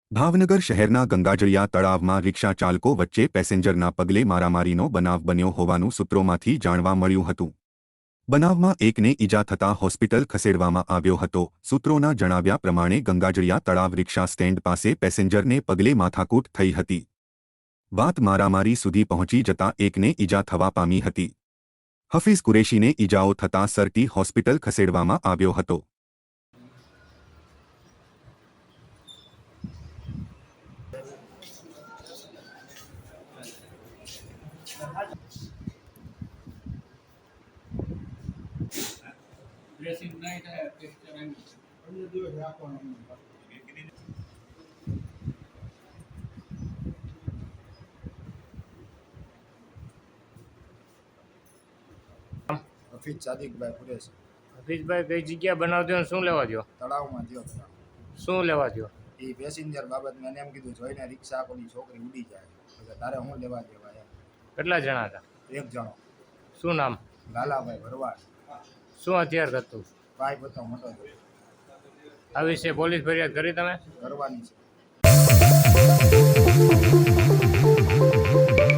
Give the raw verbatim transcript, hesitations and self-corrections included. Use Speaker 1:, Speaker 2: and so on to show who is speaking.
Speaker 1: ભાવનગર શહેરના ગંગાજળિયા તળાવમાં રિક્ષા ચાલકો વચ્ચે પેસેન્જરના પગલે મારામારીનો બનાવ બન્યો હોવાનું સૂત્રોમાંથી જાણવા મળ્યું હતું। બનાવમાં એકને ઈજા થતાં હોસ્પિટલ ખસેડવામાં આવ્યો હતો। સૂત્રોના જણાવ્યા પ્રમાણે ગંગાજળિયા તળાવ રિક્ષા સ્ટેન્ડ પાસે પેસેન્જરને પગલે માથાકૂટ થઈ હતી। વાત મારામારી સુધી પહોંચી જતાં એકને ઈજા થવા પામી હતી। હફીઝ કુરેશીને ઈજાઓ થતાં સરટી હોસ્પિટલ ખસેડવામાં આવ્યો હતો।
Speaker 2: ड्रेसिंग नाइट है पिक्चर है हमने दो है आपको
Speaker 3: હફીઝ સાદિકભાઈ કુરેશી
Speaker 4: હફીઝભાઈ કઈ જગ્યા બનાવજો ને શું લેવા દો?
Speaker 3: તળાવમાં થયો તળાવ
Speaker 4: શું લેવા દો?
Speaker 3: એ પેસેન્જર બાબત મેં એને એમ કીધું જોઈને રિક્ષા કોની છોકરી ઉડી જાય એટલે તારે હું લેવા દેવા એમ।
Speaker 4: કેટલા જણા હતા?
Speaker 3: એક જણો
Speaker 4: શું નામ?
Speaker 3: લાલાભાઈ ભરવાડ,
Speaker 4: શું હથિયાર હતું?
Speaker 3: પાઇપ હતો મોટો
Speaker 4: આ વિશે પોલીસ ફરિયાદ કરી તમે?
Speaker 3: કરવાની છે।